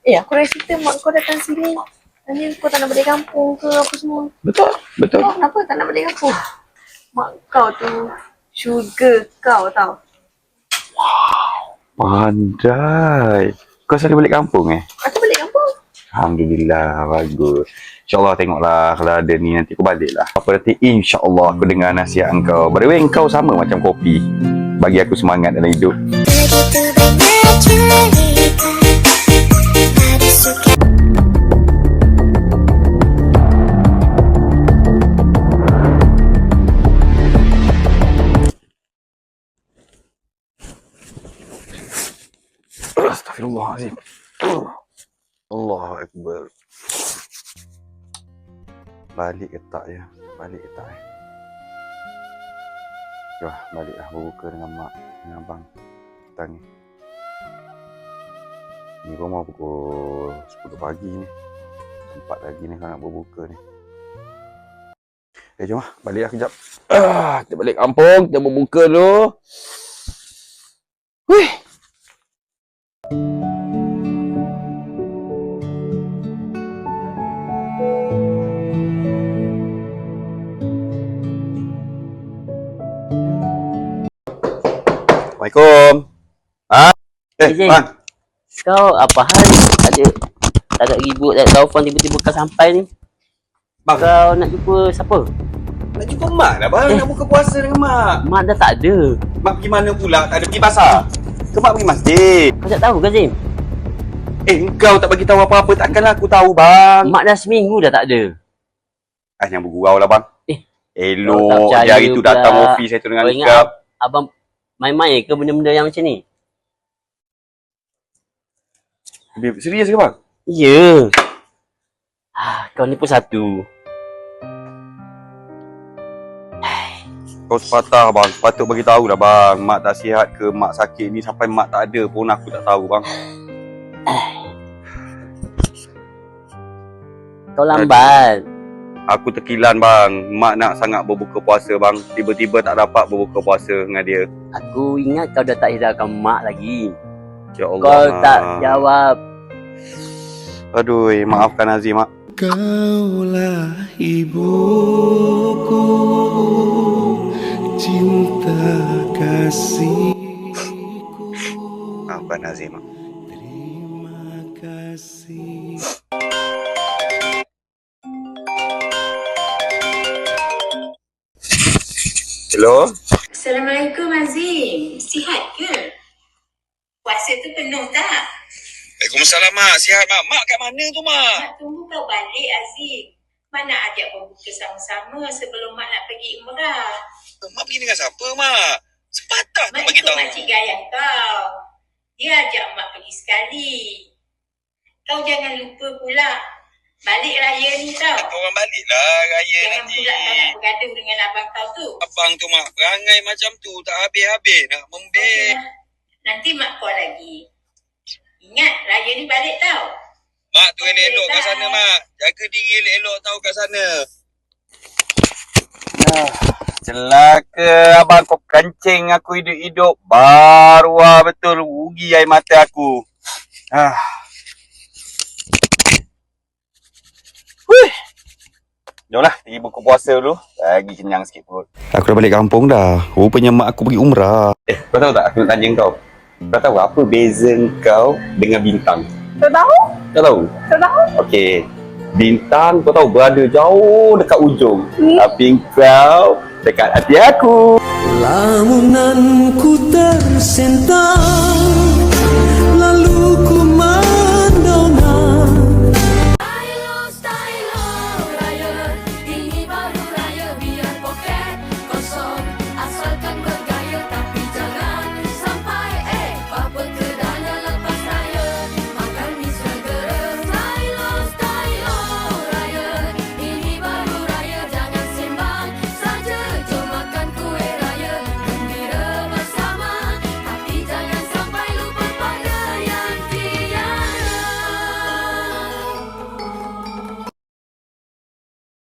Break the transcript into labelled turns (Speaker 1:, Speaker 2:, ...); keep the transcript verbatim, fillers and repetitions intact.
Speaker 1: Eh, aku dah cerita mak kau datang sini. Tanya kau tak nak balik kampung ke apa semua.
Speaker 2: Betul, betul.
Speaker 1: Kau kenapa tak nak balik kampung? Mak kau tu sugar kau tau.
Speaker 2: Pandai. Kau selalu balik kampung eh?
Speaker 1: Aku balik kampung.
Speaker 2: Alhamdulillah, bagus. InsyaAllah tengoklah kalau ada ni nanti aku balik lah. Apa nanti insyaAllah aku dengar nasihat engkau. By the way, engkau sama macam kopi. Bagi aku semangat dalam hidup.
Speaker 3: Begitu banyak cerita, ada suka.
Speaker 2: Astaghfirullahaladzim. Allahu Akbar. Balik ke tak ya? Balik ke tak ya? Wah, baliklah berbuka dengan mak, dengan abang. Petang ni. Ni rumah pukul sepuluh pagi ni. Sempat lagi ni kalau nak berbuka ni. Eh, jom lah. Baliklah kejap. Ah, kita balik kampung. Kita berbuka dulu. Wih. Assalamualaikum. Ha? Eh,
Speaker 4: Izin.
Speaker 2: bang.
Speaker 4: Kau apa hal? Ada tak ada ribut tak telefon tiba-tiba kau sampai ni.
Speaker 2: Bang.
Speaker 4: Kau nak jumpa siapa?
Speaker 2: Nak jumpa mak dah bang.
Speaker 4: Eh.
Speaker 2: Nak buka puasa dengan mak.
Speaker 4: Mak dah tak ada.
Speaker 2: Mak pergi mana pula? Tak ada pergi pasar. Ke mak pergi masjid?
Speaker 4: Kau tak tahu ke Zim?
Speaker 2: Eh, engkau tak bagi tahu apa-apa. Takkanlah aku tahu bang.
Speaker 4: Mak dah seminggu dah tak ada.
Speaker 2: Ah, yang bergurau lah bang.
Speaker 4: Eh.
Speaker 2: Elok.
Speaker 4: Kau tak percaya
Speaker 2: Dia hari tu
Speaker 4: pula.
Speaker 2: datang ofis saya tu dengan
Speaker 4: Kau ingat
Speaker 2: nikah.
Speaker 4: ab- abang main-main ke benda-benda yang macam ni?
Speaker 2: Serius ke bang?
Speaker 4: Ya. Ah, kau ni pun satu.
Speaker 2: Kau sepatah bang. Sepatut bagi tahu lah bang. Mak tak sihat ke mak sakit ni sampai mak tak ada pun aku tak tahu bang.
Speaker 4: Kau lambat.
Speaker 2: Aku terkilan bang. Mak nak sangat berbuka puasa bang. Tiba-tiba tak dapat berbuka puasa dengan dia.
Speaker 4: Aku ingat kau dah tak hiraukan mak lagi.
Speaker 2: Ya Allah.
Speaker 4: Kau
Speaker 2: Mak.
Speaker 4: tak jawab.
Speaker 2: Aduh, maafkan Azim mak.
Speaker 5: Kaulah ibuku, cinta kasihku.
Speaker 2: Maafkan Azim mak.
Speaker 5: Terima kasih.
Speaker 2: Hello?
Speaker 6: Assalamualaikum Azim. Sihat ke? Puasa tu penuh tak?
Speaker 2: Waalaikumsalam mak. Sihat mak. Mak kat mana tu mak?
Speaker 6: Mak tunggu kau balik Azim. Mak nak ajak berbuka sama-sama sebelum mak nak pergi umrah.
Speaker 2: Mak pergi dengan siapa mak? Sepatah tu
Speaker 6: Mak
Speaker 2: bagi
Speaker 6: ikut
Speaker 2: tahu.
Speaker 6: makcik Gayah kau. Dia ajak mak pergi sekali. Kau jangan lupa pula. Balik raya ni tau.
Speaker 2: Orang baliklah raya
Speaker 6: Jangan
Speaker 2: nanti.
Speaker 6: pula kau nak bergaduh dengan abang kau tu.
Speaker 2: Abang tu mak perangai macam tu tak habis-habis nak membel.
Speaker 6: Okey lah. Nanti mak call lagi. Ingat raya ni balik tau.
Speaker 2: Mak tu
Speaker 6: Okey,
Speaker 2: elok-elok kat
Speaker 6: bye.
Speaker 2: sana mak. Jaga diri elok-elok tahu kat sana. Ah, celaka abang kau kencing aku hidup-hidup. Baru ah betul rugi air mata aku. Ah. Wih. Jomlah pergi buka puasa dulu. Lagi kenyang sikit perut. Aku dah balik kampung dah. Rupanya mak aku pergi umrah. Eh, kau tahu tak aku nak tanya kau. Kau tahu apa beza kau dengan bintang?
Speaker 1: Tak tahu?
Speaker 2: Kau tahu?
Speaker 1: Tak tahu?
Speaker 2: Okey. Bintang kau tahu berada jauh dekat ujung.
Speaker 1: Hmm.
Speaker 2: Tapi kau dekat hati aku.
Speaker 5: Lamunanku tersentang